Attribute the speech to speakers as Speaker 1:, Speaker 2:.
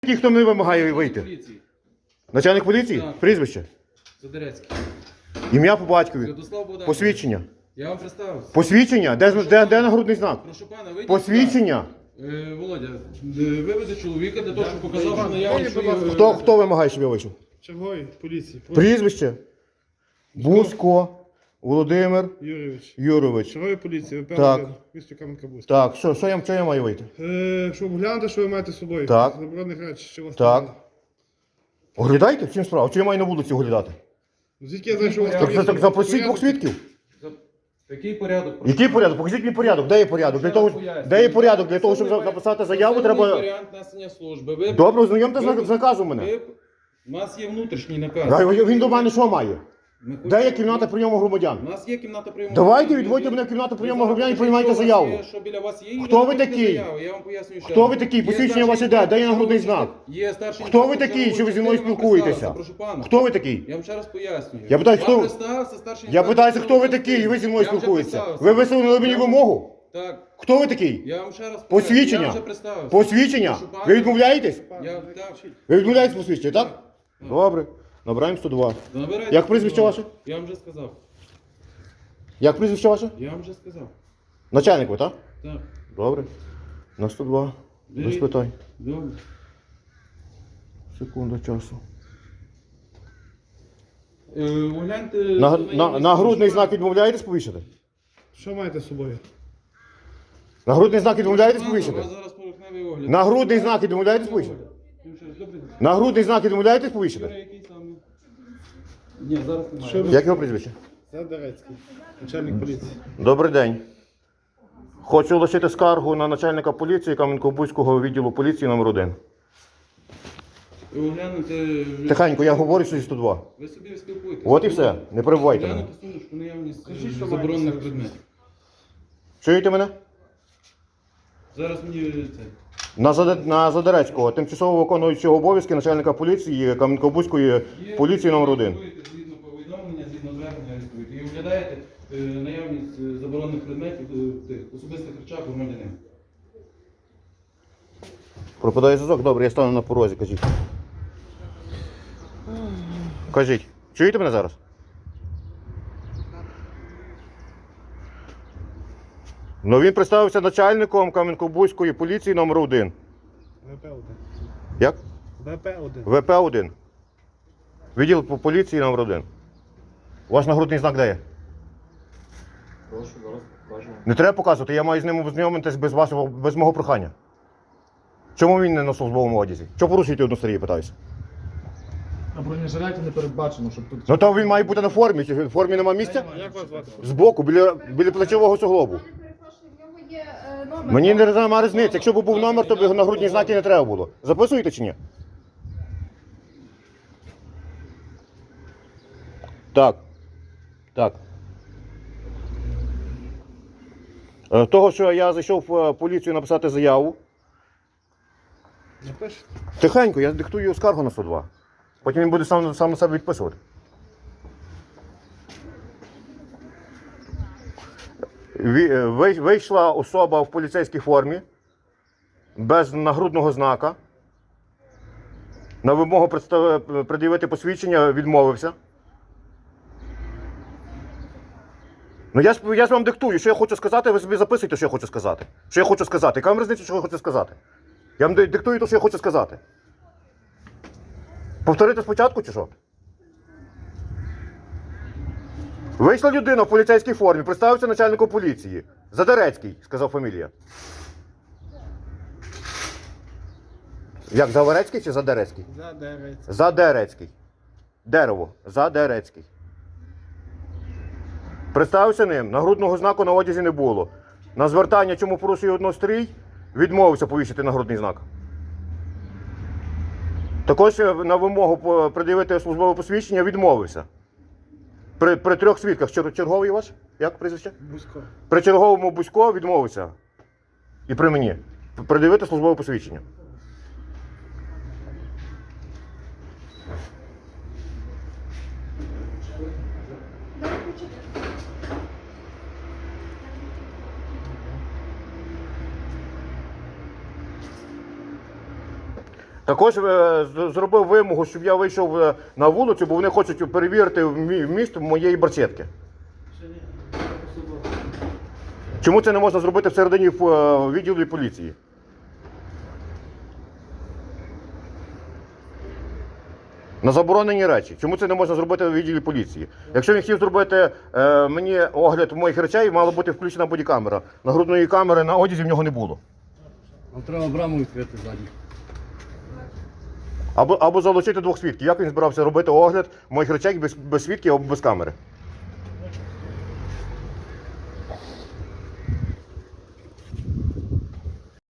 Speaker 1: Ті, хто не вимагає вийти.
Speaker 2: Поліції.
Speaker 1: Начальник поліції?
Speaker 2: Так.
Speaker 1: Прізвище?
Speaker 2: Задерецький.
Speaker 1: Ім'я по батькові?
Speaker 2: Святослав Богданович.
Speaker 1: Посвідчення?
Speaker 2: Я вам представився.
Speaker 1: Посвідчення? Де нагрудний знак?
Speaker 2: Прошу пана, вийдіть.
Speaker 1: Посвідчення?
Speaker 2: Володя, виведе чоловіка для того, щоб показав, що наявність.
Speaker 1: Хто вимагає, щоб я вийшов?
Speaker 3: Черговий поліції.
Speaker 1: Прізвище? Бузько Володимир
Speaker 3: Юрійович.
Speaker 1: Юрович.
Speaker 3: Черговий поліції, ВП
Speaker 1: Так.
Speaker 3: місто Кам'янка-Бузька.
Speaker 1: Так, що я маю вийти?
Speaker 3: Щоб глянути, що ви маєте з собою.
Speaker 1: Так.
Speaker 3: Заборонених речей, що у вас
Speaker 1: Так.
Speaker 3: там є.
Speaker 1: Оглядайте? В чим справа? Чи я маю на вулиці оглядати?
Speaker 3: Звідки я знаю, що у вас там є?
Speaker 1: Так запросіть двох свідків.
Speaker 2: Який порядок?
Speaker 1: Який порядок? Покажіть мені порядок. Де є порядок? Де є порядок? Для того, щоб написати заяву, треба...
Speaker 2: Варіант несення служби. Ви...
Speaker 1: Добре, ознайомте з наказом мене.
Speaker 2: У нас є внутрішній наказ.
Speaker 1: Він до мене що має?
Speaker 2: Ми
Speaker 1: Де є
Speaker 2: хочемо-
Speaker 1: кімната прийому громадян?
Speaker 2: У нас є кімната прийому.
Speaker 1: Давайте відводьте мене в кімнату прийому громадян і приймайте заяву.
Speaker 2: Що біля вас є?
Speaker 1: Хто ви
Speaker 2: Відводьте
Speaker 1: такий?
Speaker 2: заяву, я вам пояснюю ще
Speaker 1: Хто
Speaker 2: раз.
Speaker 1: ви такий?
Speaker 2: Є
Speaker 1: Посвідчення
Speaker 2: старший
Speaker 1: ваше де? Де є
Speaker 2: інспектор
Speaker 1: нагрудний
Speaker 2: чергової
Speaker 1: знак?
Speaker 2: частини. Є старший
Speaker 1: Хто ви
Speaker 2: інспектор
Speaker 1: такий, що ви зі мною
Speaker 2: чергової
Speaker 1: спілкуєтеся?
Speaker 2: частини, прошу пана.
Speaker 1: Хто ви такий?
Speaker 2: Я вам ще раз пояснюю.
Speaker 1: Я питаю, хто ви?
Speaker 2: представився, старший
Speaker 1: Я
Speaker 2: інспектор
Speaker 1: питаюся, хто ви
Speaker 2: чергової
Speaker 1: такий, і ви зі мною
Speaker 2: частини. Я вже
Speaker 1: спілкуєтеся.
Speaker 2: представився.
Speaker 1: Ви висунули мені вимогу?
Speaker 2: Так.
Speaker 1: Хто ви такий?
Speaker 2: Я вам ще раз
Speaker 1: Посвідчення?
Speaker 2: Я вже представився.
Speaker 1: Посвідчення?
Speaker 2: Прошу пана.
Speaker 1: Ви відмовляєтесь?
Speaker 2: Так.
Speaker 1: Ви відмовляєтесь посвідчення, так? Добре. Набираємо 102.
Speaker 2: Набирайте.
Speaker 1: Як прізвище ваше?
Speaker 2: Я вам вже сказав.
Speaker 1: Як прізвище ваше?
Speaker 2: Я вам вже сказав.
Speaker 1: Начальник ви, так?
Speaker 2: Так.
Speaker 1: Добре. На 102. Без
Speaker 2: Беріть.
Speaker 1: питань.
Speaker 2: Добре.
Speaker 1: Секунда часу.
Speaker 2: Огляньте...
Speaker 1: Нагрудний знак відмовляєтесь повішати?
Speaker 3: Що маєте з собою?
Speaker 1: Нагрудний знак відмовляєтесь
Speaker 2: У
Speaker 1: повішати?
Speaker 2: вас зараз поверхневий огляд.
Speaker 1: Нагрудний знак відмовляєтесь повішати? Нагрудний знак відмовляєтесь
Speaker 2: Юра,
Speaker 1: повішати?
Speaker 2: який саме? Ні, зараз немає.
Speaker 3: Що ви?
Speaker 1: Як його прізвище?
Speaker 3: Задерецький. Начальник поліції.
Speaker 1: Добрий день. Хочу лишити скаргу на начальника поліції Кам'янко-Бузького відділу поліції номер 1.
Speaker 2: Оглянути...
Speaker 1: Тихенько, я говорю, що зі 102.
Speaker 2: Ви собі спілкуєтесь.
Speaker 1: От і все, не перебувайте мене.
Speaker 2: Оглянути сумочку, наявність заборонених предметів.
Speaker 1: Чуєте мене?
Speaker 2: Зараз мені це...
Speaker 1: На Задерецького, тимчасово виконуючого обов'язки начальника поліції Кам'янко-Бузької поліції номер 1.
Speaker 2: Згідно повідомлення, згідно звернення реєструєте. І оглядаєте наявність заборонених предметів, тих особистих речах громадянина.
Speaker 1: Пропадає зв'язок? Добре, я стану на порозі, кажіть. Кажіть. Чуєте мене зараз? Ну він представився начальником Кам'янко-Бузької поліції номер 1.
Speaker 3: ВП-1.
Speaker 1: Як?
Speaker 3: ВП-1.
Speaker 1: ВП-1. Відділ по поліції номер 1. Ваш нагрудний знак де є?
Speaker 2: Прошу, зараз покажу.
Speaker 1: Не треба показувати, я маю з ним ознайомитись без мого прохання. Чому він не на службовому одязі? Чого порушуєте однострій, питаюся?
Speaker 4: На бронежилеті не передбачено, щоб тут...
Speaker 1: Ну то він має бути на формі, чи в формі немає місця?
Speaker 3: Як вас звати?
Speaker 1: Збоку, біля плечового суглобу.
Speaker 5: Перепрошую, в нього є номер.
Speaker 1: Мені немає різниці, якщо б був номер, то б нагрудні знаки не треба було. Записуєте чи ні? Так. Так. Того, що я зайшов в поліцію написати заяву.
Speaker 3: Напишете?
Speaker 1: Тихенько, я диктую скаргу на 102. Потім він буде сам на себе відписувати. Вийшла особа в поліцейській формі, без нагрудного знака. На вимогу пред'явити посвідчення відмовився. Ну я ж вам диктую, що я хочу сказати, ви собі записуйте, що я хочу сказати. Що я хочу сказати. Яка вам різниця, що я хочу сказати? Я вам диктую те, що я хочу сказати. Повторити спочатку чи що? Вийшла людина в поліцейській формі, представився начальником поліції. Задерецький, сказав фамілія. Як, Заверецький чи Задерецький?
Speaker 3: Задерецький.
Speaker 1: Задерецький. Дерево. Задерецький. Представився ним, нагрудного знаку на одязі не було. На звертання, чому порушує однострій, відмовився повісити нагрудний знак. Також на вимогу пред'явити службове посвідчення відмовився. При 3 свідках. Черговий ваш? Як прізвище?
Speaker 3: Бузько.
Speaker 1: При черговому Бузько відмовився. І при мені. Пред'явити службове посвідчення. Також зробив вимогу, щоб я вийшов на вулицю, бо вони хочуть перевірити вміст моєї барсетки. Чому це не можна зробити всередині відділу поліції? На заборонені речі. Чому це не можна зробити в відділі поліції? Якщо він хотів зробити мені огляд моїх речей, мала бути включена бодікамера. Нагрудної камери на одязі в нього не було.
Speaker 6: Нам треба браму відкрити ззаді.
Speaker 1: Або залучити двох свідків. Як він збирався робити огляд моїх речей без свідків або без камери?